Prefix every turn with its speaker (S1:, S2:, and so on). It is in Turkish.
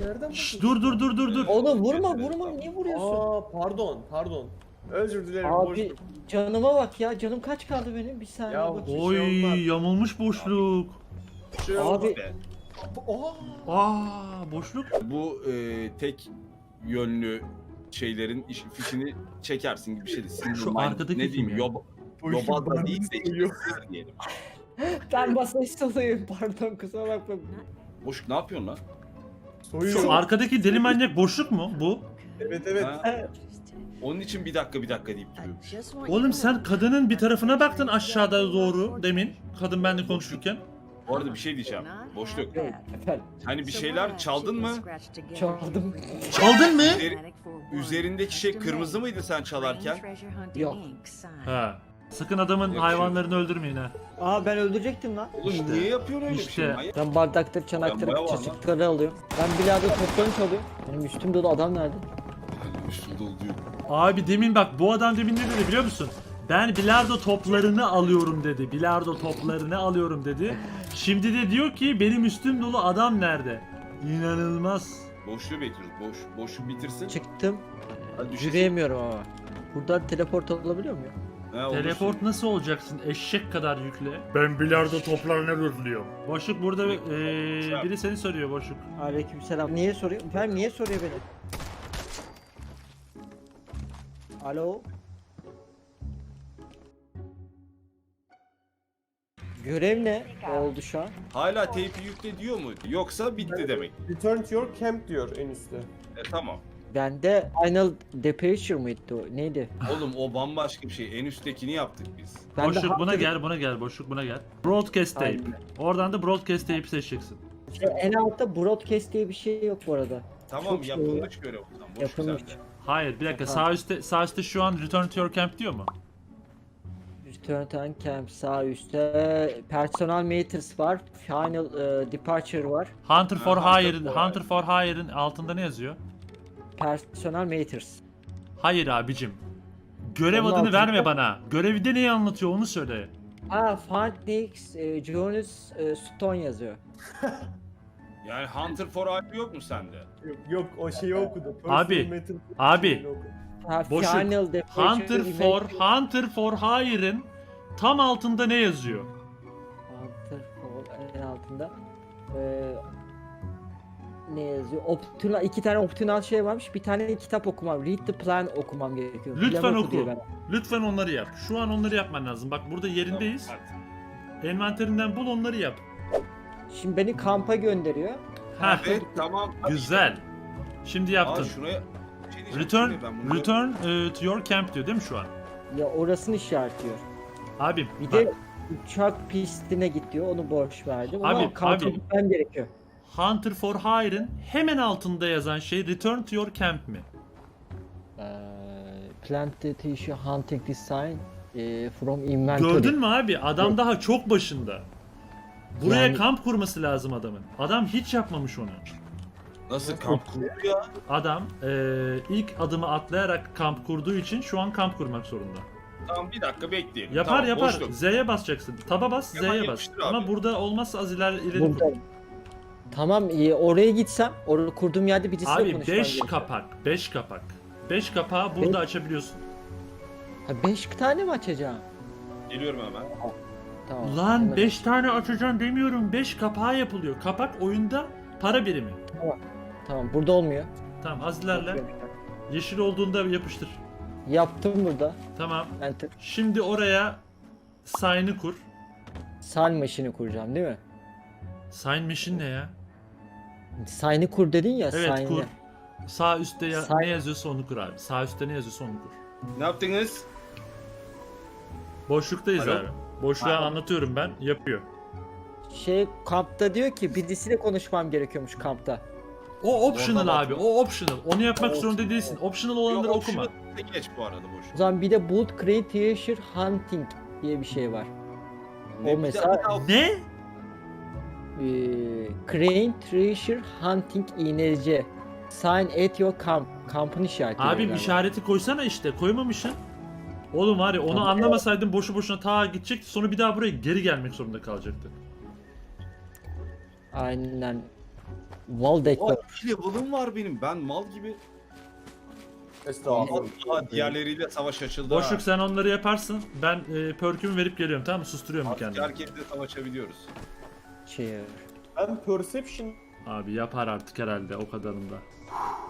S1: Nereden
S2: Şşş,
S1: buldun?
S2: dur.
S3: Oğlum vurma niye vuruyorsun?
S1: Pardon. Özür dilerim.
S3: Abi
S1: boşluk.
S3: canıma bak ya, canım kaç kaldı benim, bir saniye
S1: Ya,
S3: bakayım.
S2: Oy,
S1: olmaz.
S2: yamulmuş boşluk.
S1: Şey
S3: Abi-
S1: olmaz be. Oha.
S2: Boşluk.
S4: Bu tek yönlü şeylerin fişini çekersin gibi bir şey.
S2: Şu arkadaki
S4: ne diyeyim?
S2: kim ya?
S4: Yobaz da değilse
S1: sayıyor.
S4: diyelim.
S3: Ben basınç salıyım, pardon kusura bakma.
S4: Boşluk ne yapıyorsun lan?
S1: Soyuyor.
S2: Şu arkadaki deli manyak boşluk mu bu?
S1: Evet.
S4: Ha? Onun için bir dakika deyip duruyorum.
S2: Oğlum sen kadının bir tarafına baktın aşağıda doğru demin. Kadın benimle konuşurken.
S4: Bu arada bir şey diyeceğim. Boşluk.
S3: Efendim,
S4: Hani bir şeyler çaldın mı?
S3: çaldım.
S2: Çaldın mı?
S4: Üzerindeki şey kırmızı mıydı sen çalarken?
S3: Yok.
S2: Ha. Sakın adamın
S4: Yok,
S2: hayvanlarını öldürmeyin ha.
S3: Aa, ben öldürecektim lan.
S4: Oğlum niye yapıyorsun öyle bir
S2: İşte.
S4: şey? Manyak.
S3: Ben bardaktır, çanaktır,
S4: Ben bayağı var lan.
S3: çaçıkları alıyorum. Ben bilardo toplarını çalıyorum. Benim üstüm dolu, adam nerede?
S4: Üstünde oluyor.
S2: Abi demin bak bu adam demin ne dedi biliyor musun? Ben bilardo toplarını alıyorum dedi. Bilardo toplarını alıyorum dedi. Şimdi de diyor ki benim üstüm dolu adam nerede? İnanılmaz.
S4: Boşluğu bekliyoruz. Boşluğu bitirsin.
S3: Çıktım.
S4: Hadi düşecek.
S3: Yürüyemiyorum ama. Buradan teleport olabiliyor muyum?
S4: Ha, olursun.
S2: Teleport nasıl olacaksın? Eşek kadar yükle. Ben bilardo toplarını rüzlüyorum. Boşluk burada biri seni soruyor Boşluk.
S3: Aleykümselam. Niye soruyor? Efendim niye soruyor beni? Alo? Görev ne oldu şu an?
S4: Hala teypi yükle diyor mu? Yoksa bitti demek.
S1: Return to your camp diyor en üstte.
S4: Tamam.
S3: Bende Final Departure mıydı o? Neydi?
S4: Oğlum o bambaşka bir şey. En üsttekini yaptık biz.
S3: Bende
S2: Boşluk buna
S3: Hunter-
S2: buna gel Boşluk buna gel. Broadcast tape.
S3: Aynen.
S2: Oradan da broadcast tape'i seçeceksin.
S3: En altta broadcast diye bir şey yok bu arada.
S4: Tamam
S3: Çok
S4: yapılmış görev o zaman. Boş
S3: Yapılmış.
S4: güzel.
S2: Hayır bir dakika
S3: Tamam.
S2: sağ üstte şu an return to your camp diyor mu?
S3: Return to Camp sağ üstte. Personal Matters var. Final Departure var.
S2: Hunter for
S4: Ha,
S2: Hire'ın
S4: Hunter for
S2: altında ne yazıyor?
S3: Personal Matters.
S2: Hayır abicim. Görev
S3: Onun
S2: adını
S3: altında-
S2: verme bana. Görevde neyi anlatıyor onu söyle.
S3: Ha, Phoenix, Jonas Stone yazıyor.
S4: Yani Hunter for Hype yok mu sende?
S1: Yok o şeyi okudu.
S2: Abi,
S1: Personal Metal
S2: abi.
S1: şeyini okudu.
S3: Ha,
S2: Boşluk.
S3: Final Departure
S2: Hunter for Hire'ın tam altında ne yazıyor?
S3: Hunter for en altında. Ne yazıyor? Optional, iki tane optional şey varmış. Bir tane kitap okumam. Read the plan okumam gerekiyor.
S2: Lütfen
S3: Plan
S2: oku.
S3: diyor bana.
S2: Lütfen onları yap. Şu an onları yapman lazım. Bak burada yerindeyiz.
S4: Tamam, hadi.
S2: Envanterinden bul onları yap.
S3: Şimdi beni kampa gönderiyor.
S2: Heh,
S4: Evet tamam.
S2: güzel. Şimdi
S4: Aa,
S2: yaptın.
S4: şuraya bir şey diyeceğim.
S2: Return
S4: Şimdi ben bunu-
S2: return to your camp diyor değil mi şu an?
S3: Ya orasını işaretliyor.
S2: Abim
S3: Bir
S2: bak,
S3: de uçak pistine git diyor. Onu boş verdim.
S2: Abi,
S3: Ama kampa
S2: abi.
S3: gitmem gerekiyor.
S2: Hunter for Hire'ın hemen altında yazan şey return to your camp mi?
S3: Planted tissue hunting design from inventory.
S2: Gördün mü abi? Adam daha çok başında. Buraya
S3: Yani-
S2: kamp kurması lazım adamın. Adam hiç yapmamış onu.
S4: Nasıl kamp kurdu ya?
S2: Adam ilk adımı atlayarak kamp kurduğu için şu an kamp kurmak zorunda.
S4: Tamam bir dakika bekleyelim.
S2: Yapar
S4: Tamam,
S2: yapar.
S4: boşluk.
S2: Z'ye basacaksın. Taba bas,
S4: Hemen
S2: Z'ye bas.
S4: yapıştır abi.
S2: Ama burada olmazsa az ileri
S3: Burada. Tamam, oraya gitsem, orada kurduğum yerde birisiyle
S2: Abi
S3: konuşmam
S2: 5
S3: gerekiyor.
S2: kapak, 5 kapak. 5 kapağı burada açabiliyorsun.
S3: Ha, 5 tane mi açacağım?
S4: Geliyorum hemen.
S3: Tamam.
S2: Lan
S3: hemen
S2: 5 tane açacaksın demiyorum. 5 kapağı yapılıyor. Kapak oyunda para birimi.
S3: Tamam, burada olmuyor.
S2: Tamam az ilerle. Yeşil olduğunda yapıştır.
S3: Yaptım burada.
S2: Tamam.
S3: Enter.
S2: Şimdi oraya sign'ı kur.
S3: Sign machine'i kuracağım değil mi?
S2: Sign machine ne ya?
S3: Sign'ı kur dedin ya.
S2: Evet
S3: sign'ı.
S2: kur. Sağ üstte
S3: Sign-
S2: ne yazıyorsa onu kur abi. Sağ üstte ne yazıyorsa onu kur.
S4: Ne yaptınız?
S2: Boşluktayız
S4: Alo?
S2: abi. Boşluğa
S4: Alo.
S2: anlatıyorum ben. Yapıyor.
S3: Kampta diyor ki birisiyle konuşmam gerekiyormuş kampta.
S2: O optional
S4: Oradan
S2: abi. O optional. Onu yapmak zorunda değilsin. Optional olanları
S4: Yok,
S2: okuma.
S4: şunu geç bu arada boş.
S3: O zaman bir de Bolt Crane Treasure Hunting diye bir şey var. O mesela
S2: Ne?
S3: Crane Treasure Hunting iğneci. Sign at your camp. Kampın işareti.
S2: Abim
S3: galiba.
S2: işareti koysana işte. Koymamışsın. Oğlum var ya onu
S3: Tamam.
S2: anlamasaydın boşu boşuna ta gidecekti. Sonra bir daha buraya geri gelmek zorunda kalacaktı.
S3: Aynen. Wall decor.
S4: Aa, 2 level'ım var benim. Ben mal gibi.
S1: Estağfurullah.
S4: Aa, diğerleriyle savaş açıldı.
S2: Boşluk sen onları yaparsın. Ben perkümü verip geliyorum, tamam mı? Susturuyorum bir
S4: Artık
S2: kendimi.
S4: herkesle savaşabiliyoruz.
S3: Cheer.
S1: Ben perception
S2: Abi yapar artık herhalde o kadarında.